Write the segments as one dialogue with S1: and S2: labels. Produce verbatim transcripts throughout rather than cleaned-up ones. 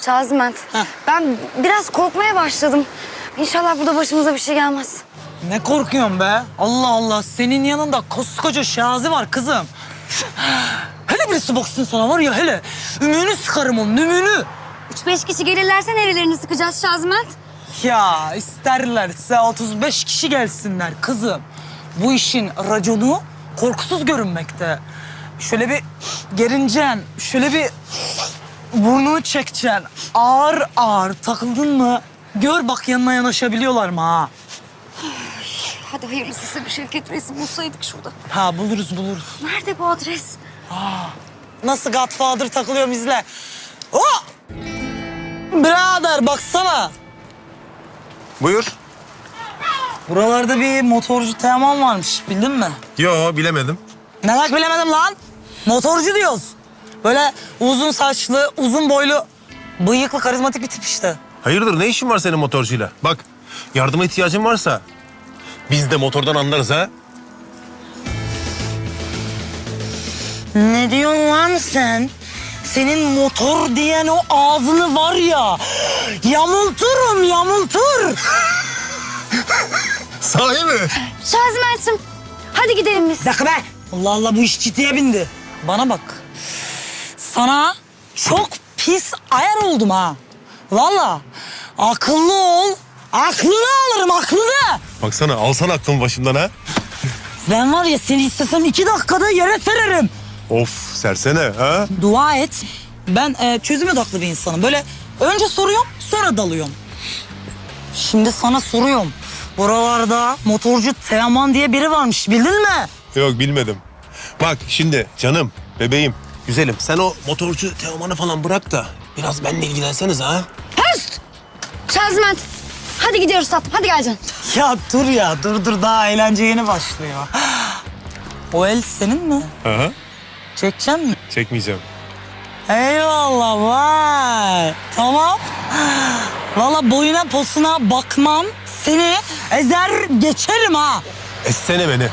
S1: Şaziment, ben biraz korkmaya başladım. İnşallah burada başımıza bir şey gelmez.
S2: Ne korkuyorsun be? Allah Allah, senin yanında koskoca Şazi var kızım. Hele birisi baksın sana var ya, hele. Ümüğünü sıkarım onun, ümüğünü.
S1: Üç beş kişi gelirlerse nerelerini sıkacağız Şaziment?
S2: Ya isterlerse otuz beş kişi gelsinler kızım. Bu işin raconu korkusuz görünmekte. Şöyle bir gerincen, şöyle bir burnunu çekeceksin. Ağır ağır takıldın mı? Gör bak, yanına yanaşabiliyorlar mı ha?
S1: Hadi hayırlısı bir Şevket Reis'i bulsaydık şurada.
S2: Ha, buluruz buluruz.
S1: Nerede bu adres?
S2: Nasıl Godfather takılıyorum, izle. Oh! Birader baksana.
S3: Buyur.
S2: Buralarda bir motorcu Teoman varmış, bildin mi?
S3: Yo, bilemedim.
S2: Ne demek bilemedim lan? Motorcu diyoruz. Böyle uzun saçlı, uzun boylu, bıyıklı, karizmatik bir tip işte.
S3: Hayırdır, ne işin var senin motorcuyla? Bak, yardıma ihtiyacın varsa biz de motordan anlarız ha.
S2: Ne diyorsun lan sen? Senin motor diyen o ağzını var ya, yamulturum, yamultur.
S3: Sahi mi?
S1: Şaziment'im, hadi gidelim biz.
S2: Bir dakika be. Allah Allah, bu iş ciddiye bindi. Bana bak. Sana çok pis ayar oldum ha. Vallahi akıllı ol. Aklını alırım, aklını.
S3: Baksana, alsana aklımı başımdan ha.
S2: Ben var ya, seni istesem iki dakikada yere sererim.
S3: Of, sersene ha.
S2: Dua et. Ben e, çözüm odaklı bir insanım. Böyle önce soruyorum, sonra dalıyorum. Şimdi sana soruyorum. Buralarda motorcu Teoman diye biri varmış, bildin mi?
S3: Yok, bilmedim. Bak şimdi canım, bebeğim, güzelim. Sen o motorcu Teoman'ı falan bırak da biraz benimle ilgilenseniz ha.
S1: Höst! Şaziment, hadi gidiyoruz tatlım, hadi gel canım.
S2: Ya dur ya, dur dur, daha eğlence yeni başlıyor. O el senin mi?
S3: Hı hı.
S2: Çekecek mi?
S3: Çekmeyeceğim.
S2: Eyvallah, vay. Tamam. Vallahi boyuna posuna bakmam. Seni ezer geçerim ha.
S3: Essene beni.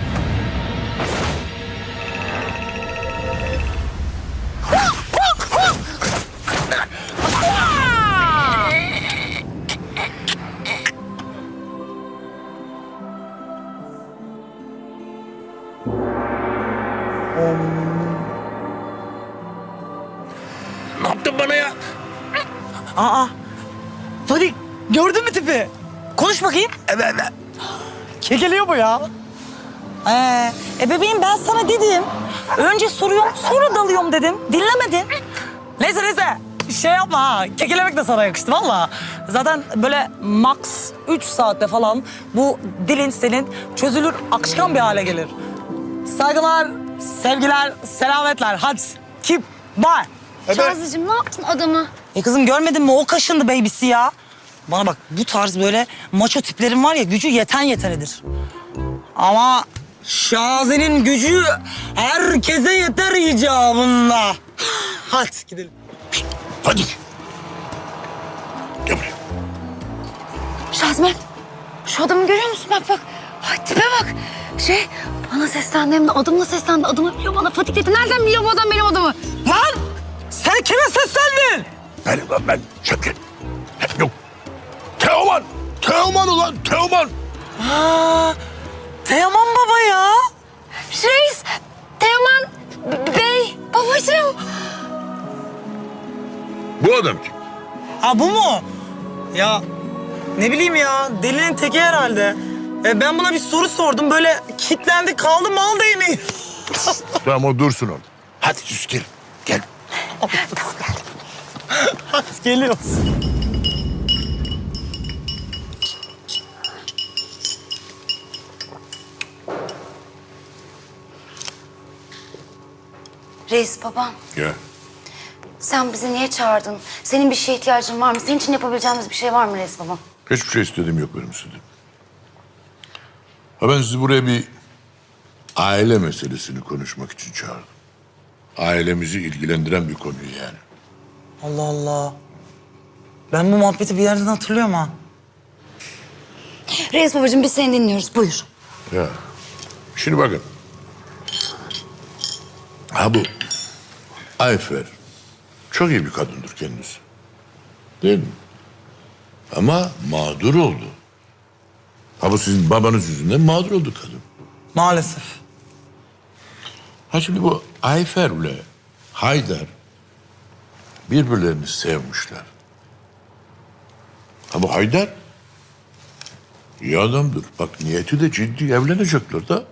S3: Ne yaptın bana ya?
S2: Aa. Hadi gördün mü tipi? Konuş bakayım.
S3: Evet, evet.
S2: Kekeliyor bu ya. Ee, e bebeğim, ben sana dedim. Önce soruyorum, sonra dalıyorum dedim. Dinlemedin. Neyse neyse. Şey yapma ha. Kekelemek de sana yakıştı valla. Zaten böyle max üç saatte falan bu dilin senin çözülür, akışkan bir hale gelir. Saygılar, sevgiler, selametler. Hadi. Keep bye.
S1: Şazicim, ne yaptın adamı?
S2: E kızım, görmedin mi? O kaşındı babysi ya. Bana bak, bu tarz böyle maço tiplerin var ya, gücü yeten yetenedir. Ama Şazi'nin gücü herkese yeter icabında. Hadi gidelim.
S3: Hadi. Gel buraya.
S1: Şaziment, şu adamı görüyor musun? Bak bak, ay tipe bak. Şey, bana seslendi, hem de adımla seslendi. Adımı biliyor, bana Fatih dedi. Nereden biliyor bu adam benim adımı?
S2: Lan! Sen kime seslendin?
S3: Benim lan ben Şevket. Yok. Teoman. Teoman ulan Teoman.
S2: Aa, Teoman baba ya.
S1: Reis, Teoman B- Bey, babacığım.
S3: Bu adam kim?
S2: Ha, bu mu? Ya ne bileyim ya, delinin teki herhalde. E, ben buna bir soru sordum, böyle kilitlendi kaldı, mal değneği.
S3: Tamam, o dursun orada. Hadi sus, gel. Gel.
S2: Hadi geliyoruz.
S1: Reis babam,
S3: Gel.
S1: sen bizi niye çağırdın? Senin bir şeye ihtiyacın var mı? Senin için yapabileceğimiz bir şey var mı Reis babam?
S4: Hiçbir şey istediğim yok benim sizden. Ha, ben sizi buraya bir aile meselesini konuşmak için çağırdım. Ailemizi ilgilendiren bir konuyu yani.
S2: Allah Allah. Ben bu muhabbeti bir yerden hatırlıyorum ha.
S1: Reis babacığım, biz seni dinliyoruz. Buyur.
S4: Ya, şimdi bakın. Ha, bu Ayfer çok iyi bir kadındır kendisi. Değil mi? Ama mağdur oldu. Ha bu sizin babanız yüzünden mağdur oldu kadın.
S2: Maalesef.
S4: Ha şimdi bu Ayfer'le Haydar birbirlerini sevmişler. Ha bu Haydar iyi adamdır. Bak niyeti de ciddi, evlenecekler de.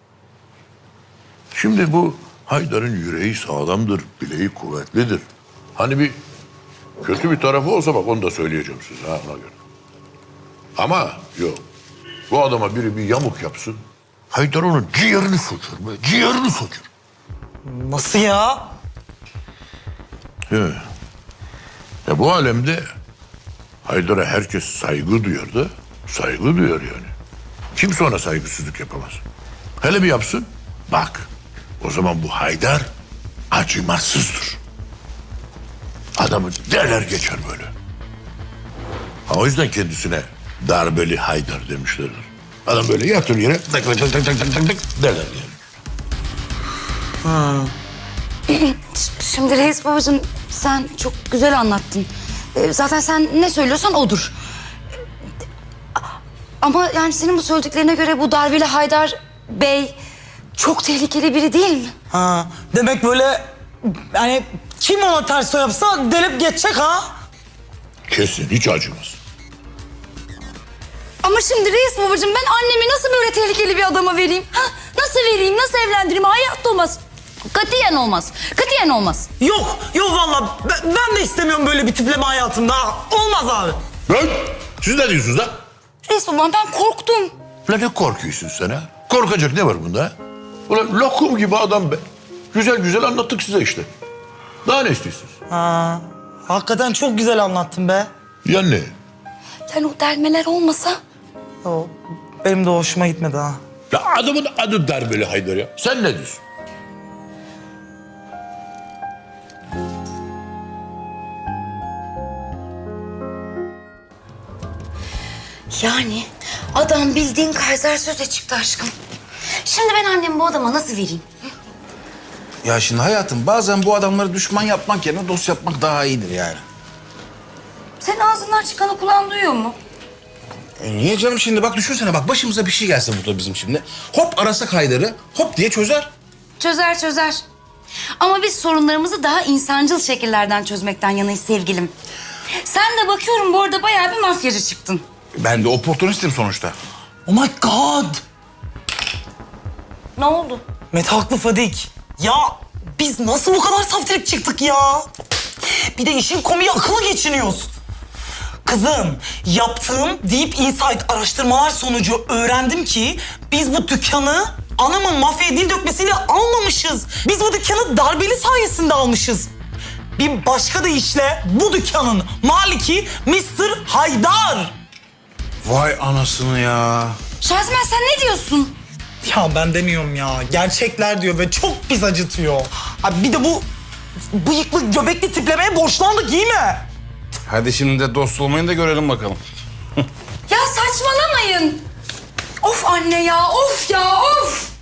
S4: Şimdi bu Haydar'ın yüreği sağlamdır, bileği kuvvetlidir. Hani bir kötü bir tarafı olsa bak onu da söyleyeceğim size ha ona göre. Ama yok. Bu adama biri bir yamuk yapsın. Haydar onun ciğerini söker be, ciğerini söker.
S2: Nasıl ya?
S4: He. Ya bu alemde Haydar'a herkes saygı duyar da saygı duyar yani. Kimse ona saygısızlık yapamaz. Hele bir yapsın. Bak o zaman bu Haydar acımasızdır. Adamı derler geçer böyle. Ha, o yüzden kendisine darbeli Haydar demişlerdir. Adam böyle yatır yere tık tık tık tık tık tık tık derler yani.
S1: Şimdi reis babacığım sen çok güzel anlattın. Ee, Zaten sen ne söylüyorsan odur. Ama yani senin bu söylediklerine göre bu darbeli Haydar Bey çok tehlikeli biri değil mi?
S2: Ha, demek böyle yani kim ona ters yapsa delip geçecek ha?
S4: Kesin hiç acımaz.
S1: Ama şimdi reis babacığım ben annemi nasıl böyle tehlikeli bir adama vereyim? Ha? Nasıl vereyim, nasıl evlendireyim? Hayatta olmaz. Katiyen olmaz. Katiyen olmaz.
S2: Yok, yok vallahi ben, ben de istemiyorum böyle bir tipleme hayatımda. ha. Olmaz abi.
S4: Lan siz ne diyorsunuz lan?
S1: Reis babam ben korktum.
S4: Ulan ne korkuyorsun sen ha? Korkacak ne var bunda ha? Ulan lokum gibi adam be. Güzel güzel anlattık size işte. Daha ne istiyorsunuz?
S2: Ha, hakikaten çok güzel anlattın be.
S4: Ya ne?
S1: Yani o delmeler olmasa...
S2: O, benim de hoşuma gitmedi ha.
S4: Ya adamın adı darbeli Haydar ya. Sen ne diyorsun?
S1: Yani adam bildiğin Kaiser söze çıktı aşkım. Şimdi ben annemi bu adama nasıl vereyim?
S5: Ya şimdi hayatım bazen bu adamları düşman yapmak yerine dost yapmak daha iyidir yani.
S1: Senin ağzından çıkanı kulağın duyuyor mu?
S5: E niye canım şimdi bak düşünsene bak başımıza bir şey gelse burada bizim şimdi. Hop arasak Haydar'ı hop diye çözer.
S1: Çözer çözer. Ama biz sorunlarımızı daha insancıl şekillerden çözmekten yanayız sevgilim. Sen de bakıyorum bu arada bayağı bir mafyacı çıktın.
S5: Ben de oportunistim sonuçta.
S2: Oh my god.
S1: Ne oldu?
S2: Mete haklı Fadik. Ya biz nasıl bu kadar saftirik çıktık ya? Bir de işin komiği akıllı geçiniyoruz. Kızım, yaptığım Deep Insight araştırmalar sonucu öğrendim ki biz bu dükkanı anamın mafyaya dil dökmesiyle almamışız. Biz bu dükkanı darbeli sayesinde almışız. Bir başka deyişle bu dükkanın maliki mister Haydar.
S5: Vay anasını ya.
S1: Şazmen sen ne diyorsun?
S2: Ya ben demiyorum ya. Gerçekler diyor ve çok pis acıtıyor. Abi bir de bu bıyıklı göbekli tiplemeye borçlandık iyi mi?
S5: Hadi şimdi de dost olmayı da görelim bakalım.
S1: Ya saçmalamayın. Of anne ya, of ya, of.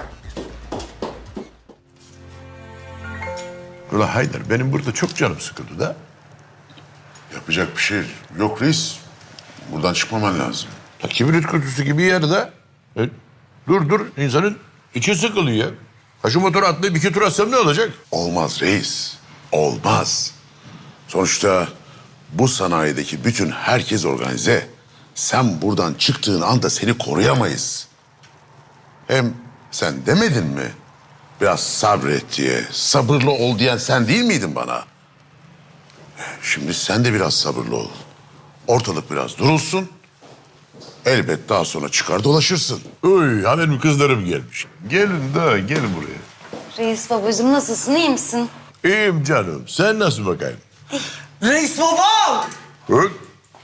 S4: Ulan Haydar benim burada çok canım sıkıldı da.
S6: Yapacak bir şey yok reis. Buradan çıkmaman lazım.
S4: Ya kibrit kutusu gibi yerde. E, dur dur insanın içi sıkılıyor ya. Ha şu motoru atlayıp iki tur atsam ne olacak?
S6: Olmaz reis. Olmaz. Sonuçta bu sanayideki bütün herkes organize. Sen buradan çıktığın anda seni koruyamayız. Hem sen demedin mi? Biraz sabret diye, sabırlı ol diyen sen değil miydin bana? Şimdi sen de biraz sabırlı ol. Ortalık biraz durulsun. Elbet daha sonra çıkar dolaşırsın.
S4: Oy ha benim kızlarım gelmiş. Gelin de gelin buraya.
S1: Reis babacığım nasılsın, iyi misin?
S4: İyiyim canım. Sen nasıl bakayım?
S2: Reis babam!
S4: Hı?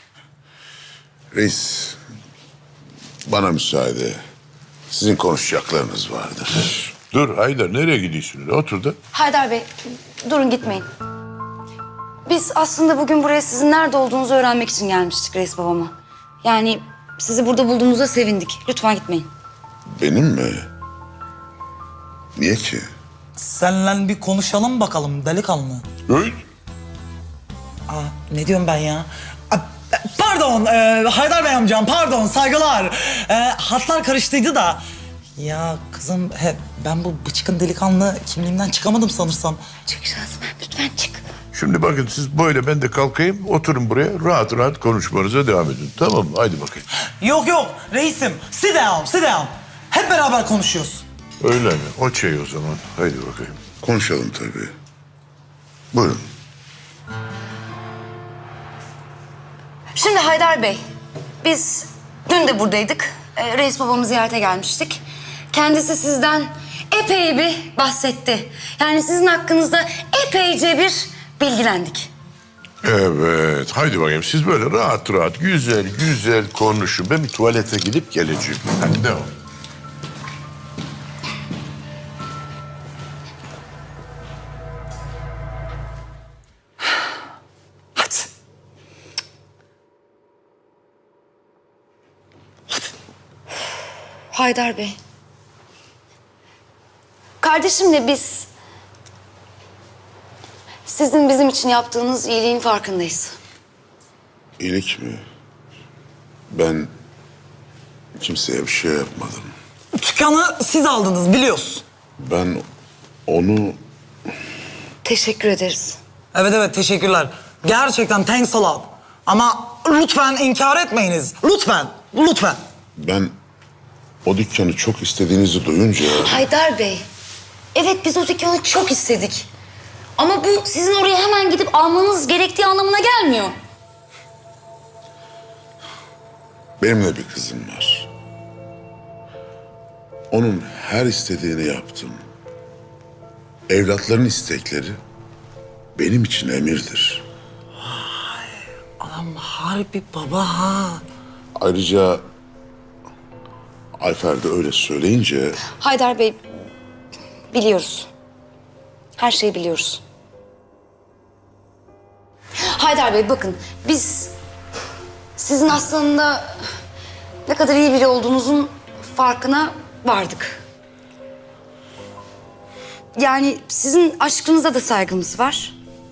S6: Reis, bana müsaade. Sizin konuşacaklarınız vardır.
S4: Dur Haydar nereye gidiyorsun? öyle? Otur da.
S1: Haydar Bey, durun gitmeyin. Biz aslında bugün buraya sizin nerede olduğunuzu öğrenmek için gelmiştik reis babama. Yani sizi burada bulduğumuza sevindik. Lütfen gitmeyin.
S6: Benim mi? Niye ki?
S2: Seninle bir konuşalım bakalım delikanlı.
S4: Öyle.
S2: Aa, ne diyorum ben ya? Aa, pardon e, Haydar Bey amcam, pardon, saygılar. E, hatlar karıştıydı da. Ya kızım he, ben bu bıçkın delikanlı kimliğimden çıkamadım sanırsam.
S1: Çık Şazmen lütfen çık.
S4: Şimdi bakın siz böyle, ben de kalkayım, oturun buraya, rahat rahat konuşmanıza devam edin. Tamam mı? Haydi bakayım.
S2: Yok yok reisim, sit down, sit down. Hep beraber konuşuyoruz.
S4: Öyle mi? O şey o zaman. Haydi bakayım.
S6: Konuşalım tabii. Buyurun.
S1: Şimdi Haydar Bey, biz dün de buradaydık. Ee, reis babamı ziyarete gelmiştik. Kendisi sizden epey bir bahsetti. Yani sizin hakkınızda epeyce bir bilgilendik.
S4: Evet, haydi bakayım. Siz böyle rahat rahat, güzel güzel konuşun. Ben bir tuvalete gidip geleceğim. Hadi devam.
S2: Hadi.
S1: Haydar Bey. Kardeşimle biz sizin bizim için yaptığınız iyiliğin farkındayız.
S6: İyilik mi? Ben kimseye bir şey yapmadım.
S2: Dükkanı siz aldınız biliyoruz.
S6: Ben onu
S1: Teşekkür ederiz.
S2: Evet evet teşekkürler. Gerçekten thanks a lot. Ama lütfen inkar etmeyiniz. Lütfen, lütfen.
S6: ben o dükkanı çok istediğinizi duyunca
S1: Haydar Bey, evet biz o dükkanı çok istedik. Ama bu sizin oraya hemen gidip almanız gerektiği anlamına gelmiyor.
S6: benim de bir kızım var. Onun her istediğini yaptım. Evlatların istekleri benim için emirdir.
S2: Adam harbi baba ha.
S6: Ayrıca Ayfer de öyle söyleyince
S1: Haydar Bey, biliyoruz. Her şeyi biliyoruz. Haydar Bey bakın, biz sizin aslında ne kadar iyi biri olduğunuzun farkına vardık. Yani sizin aşkınıza da saygımız var.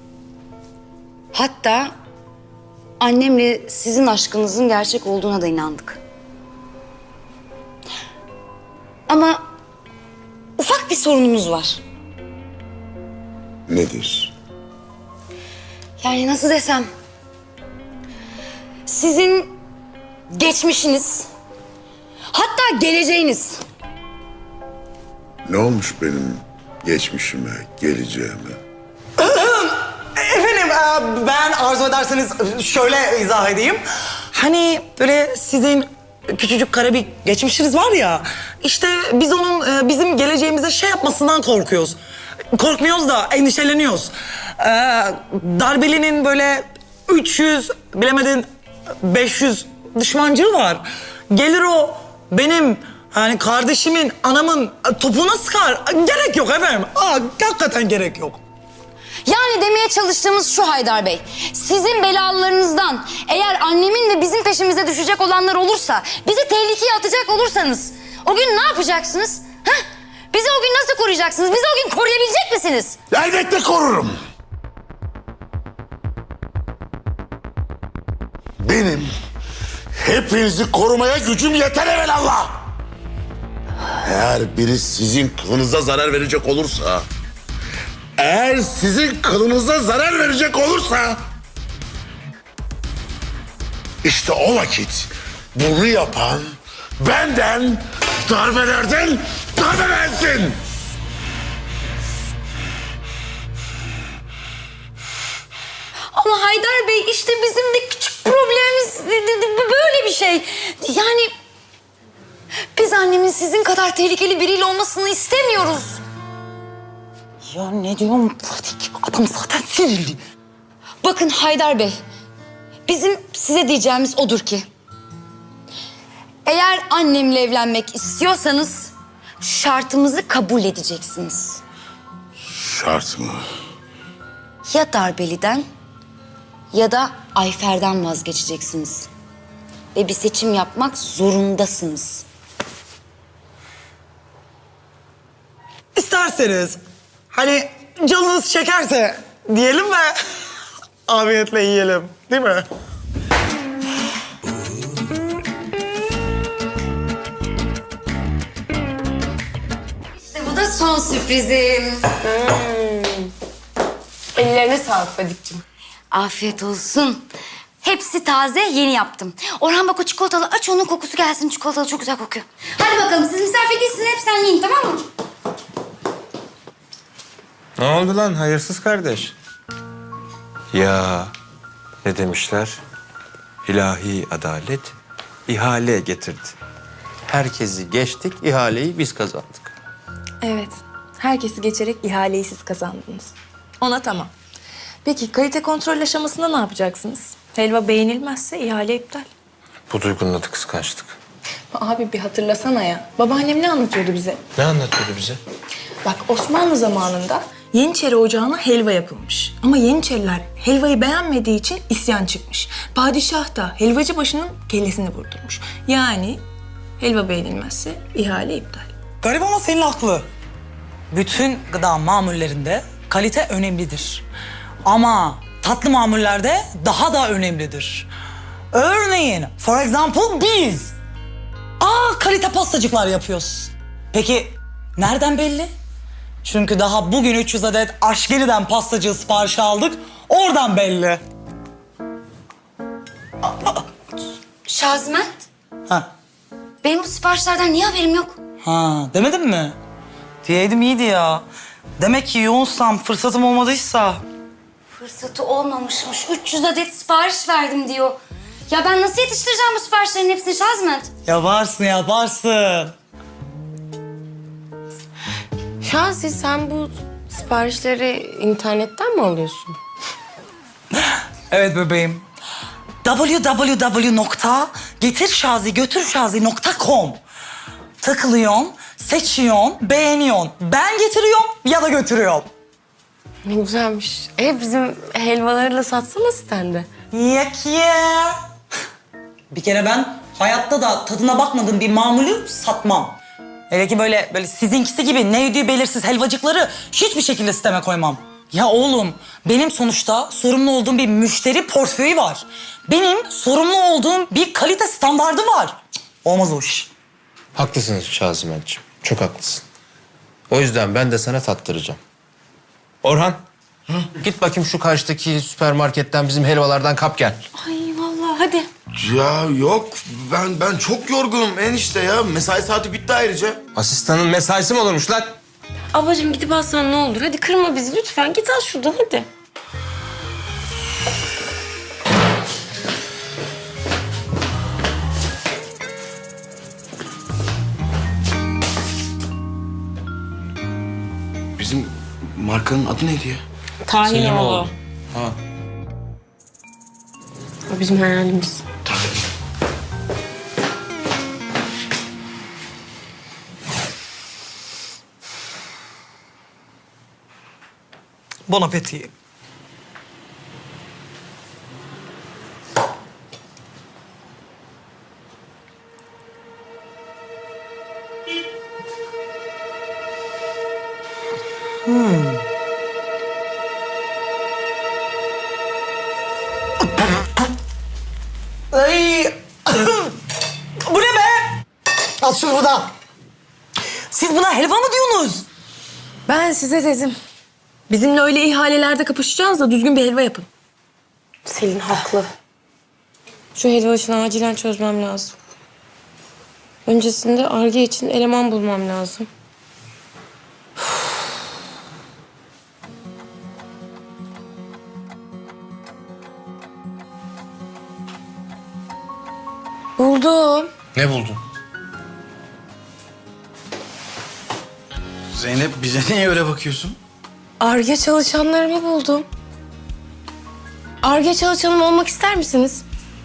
S1: Hatta annemle sizin aşkınızın gerçek olduğuna da inandık. Ama ufak bir sorunumuz var.
S6: nedir?
S1: Yani nasıl desem... Sizin geçmişiniz, hatta geleceğiniz.
S6: Ne olmuş benim geçmişime, geleceğime?
S2: Efendim e, ben arzu ederseniz şöyle izah edeyim. Hani böyle sizin küçücük kara bir geçmişiniz var ya. İşte biz onun e, bizim geleceğimize şey yapmasından korkuyoruz. Korkmuyoruz da endişeleniyoruz. E, Darbeli'nin böyle üç yüz bilemedin beş yüz düşmancığı var. Gelir o benim hani kardeşimin, anamın topuğuna sıkar. Gerek yok efendim. Aa, hakikaten gerek yok.
S1: Yani demeye çalıştığımız şu Haydar Bey. Sizin belalarınızdan eğer annemin ve bizim peşimize düşecek olanlar olursa, bizi tehlikeye atacak olursanız o gün ne yapacaksınız? Heh? Bizi o gün nasıl koruyacaksınız? Bizi o gün koruyabilecek misiniz?
S6: Elbette korurum. Benim hepinizi korumaya gücüm yeter evelallah. Eğer biri sizin kılınıza zarar verecek olursa... Eğer sizin kılınıza zarar verecek olursa... işte o vakit bunu yapan benden, darbelerden darbelensin.
S1: Ama Haydar Bey işte bizim de küçük problemimiz böyle bir şey. Yani biz annemin sizin kadar tehlikeli biriyle olmasını istemiyoruz.
S2: Ya ne diyorum Fadik? Adam zaten sinirli.
S1: Bakın Haydar Bey, bizim size diyeceğimiz odur ki... eğer annemle evlenmek istiyorsanız şartımızı kabul edeceksiniz.
S6: Şart mı?
S1: Ya Darbeli'den ya da Ayfer'den vazgeçeceksiniz. Ve bir seçim yapmak zorundasınız.
S2: İsterseniz hani canınız çekerse diyelim mi? Afiyetle yiyelim. Değil mi?
S1: İşte bu da son sürprizim.
S7: Ellerine sağlık Fadik'cim.
S1: Afiyet olsun. Hepsi taze, yeni yaptım. Orhan bak o çikolatalı, aç onun kokusu gelsin. Çikolatalı çok güzel kokuyor. Hadi bakalım, siz misafir değilsiniz, hep sen yiyin, tamam mı?
S3: Ne oldu lan hayırsız kardeş? Ya ne demişler? İlahi adalet ihale getirdi. Herkesi geçtik, ihaleyi biz kazandık.
S7: Evet. Herkesi geçerek ihaleyi siz kazandınız. Ona tamam. Peki kalite kontrol aşamasında ne yapacaksınız? Helva beğenilmezse ihale iptal.
S3: Bu duygunun adı kıskançlık.
S7: Abi bir hatırlasana ya. Babaannem ne anlatıyordu bize?
S3: Ne anlatıyordu bize?
S7: Bak Osmanlı zamanında Yeniçeri Ocağı'na helva yapılmış. Ama Yeniçeriler helvayı beğenmediği için isyan çıkmış. Padişah da helvacı başının kellesini vurdurmuş. Yani helva beğenilmezse ihale iptal.
S2: Garip ama senin haklı. Bütün gıda mamullerinde kalite önemlidir. Ama tatlı mamullerde daha da önemlidir. Örneğin, for example biz. Aa, kalite pastacıklar yapıyoruz. Peki nereden belli? Çünkü daha bugün üç yüz adet Aşgeri'den pastacı siparişi aldık. Oradan belli.
S1: Şaziment,
S2: Ha,
S1: benim bu siparişlerden niye haberim yok?
S2: ha demedim mi? Diyeydim iyiydi ya. Demek ki yoğunsam, fırsatım olmadıysa.
S1: Fırsatı olmamışmış. üç yüz adet sipariş verdim diyor. Ya ben nasıl yetiştireceğim bu siparişlerin hepsini Şazment?
S2: Yaparsın, yaparsın.
S8: Şansi sen bu siparişleri internetten mi alıyorsun?
S2: Evet bebeğim. w w w nokta getirşazigötürşazi nokta com Tıklıyorsun, seçiyorsun, beğeniyorsun. Ben getiriyorum ya da götürüyorum.
S8: Ne güzelmiş. E bizim helvalarıyla satsana sitende.
S2: Yak ya. Bir kere ben hayatta da tadına bakmadığım bir mamulü satmam. Hele ki böyle böyle sizinkisi gibi ne ödüğü belirsiz helvacıkları hiçbir şekilde sisteme koymam. Ya oğlum, benim sonuçta sorumlu olduğum bir müşteri portföyü var. Benim sorumlu olduğum bir kalite standardı var. Cık, olmaz o iş.
S3: Haklısın Şazimentciğim. Çok haklısın. O yüzden ben de sana tattıracağım. Orhan. Git bakayım şu karşıdaki süpermarketten bizim helvalardan kap gel.
S8: Ay vallahi hadi.
S5: Ya yok ben ben çok yorgunum enişte ya. Mesai saati bitti ayrıca.
S3: Asistanın mesaisi mi olurmuş lan?
S8: Ablacığım gidip alsan ne olur? Hadi kırma bizi lütfen. Git al şuradan hadi.
S5: Bizim markanın adı neydi ya?
S8: Tahinoğlu.
S3: Ha.
S8: O bizim hayalimiz.
S2: Bon appétit. Ay. Bu ne be? Al şunu buradan. Siz buna helva mı diyorsunuz?
S7: Ben size dedim. Bizimle öyle ihalelerde kapışacağız da düzgün bir helva yapın.
S8: Selin haklı. Şu helva işini acilen çözmem lazım. Öncesinde Ar-Ge için eleman bulmam lazım. Buldum.
S3: Ne buldun?
S5: Zeynep bize niye öyle bakıyorsun?
S8: Ar-Ge çalışanlarımı buldum. Ar-Ge çalışanım olmak ister misiniz?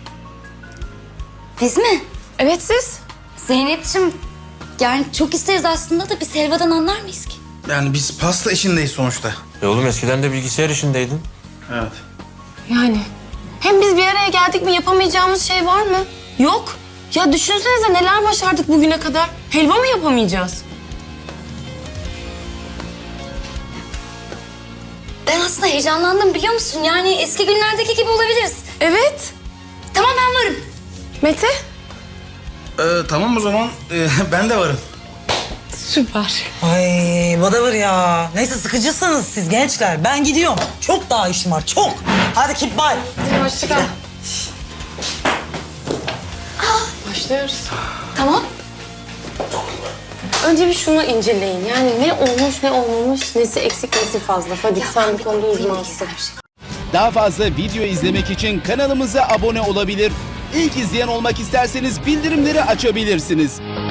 S1: Biz mi?
S8: Evet siz.
S1: Zeynep'ciğim, yani çok isteriz aslında da biz helvadan anlar mıyız ki?
S5: Yani biz pasta işindeyiz sonuçta.
S3: E oğlum eskiden de bilgisayar işindeydin.
S5: Evet.
S8: Yani. Hem biz bir araya geldik mi yapamayacağımız şey var mı? Yok. Ya düşünsenize neler başardık bugüne kadar. Helva mı yapamayacağız?
S1: Ben aslında heyecanlandım biliyor musun? Yani eski günlerdeki gibi olabiliriz.
S8: Evet.
S1: Tamam ben varım.
S8: Mete?
S5: Ee, tamam o zaman ee, ben de varım.
S8: Süper.
S2: Ay Badavır ya. Neyse sıkıcısınız siz gençler. Ben gidiyorum. Çok daha işim var çok. Hadi keep bye.
S8: Hoşçakal. Başlıyoruz.
S1: Tamam.
S8: Önce bir şunu inceleyin. Yani ne olmuş ne olmamış, nesi eksik nesi fazla. Hadi sen bu konuda uzmansın.
S9: Daha fazla video izlemek için kanalımıza abone olabilir. İlk izleyen olmak isterseniz bildirimleri açabilirsiniz.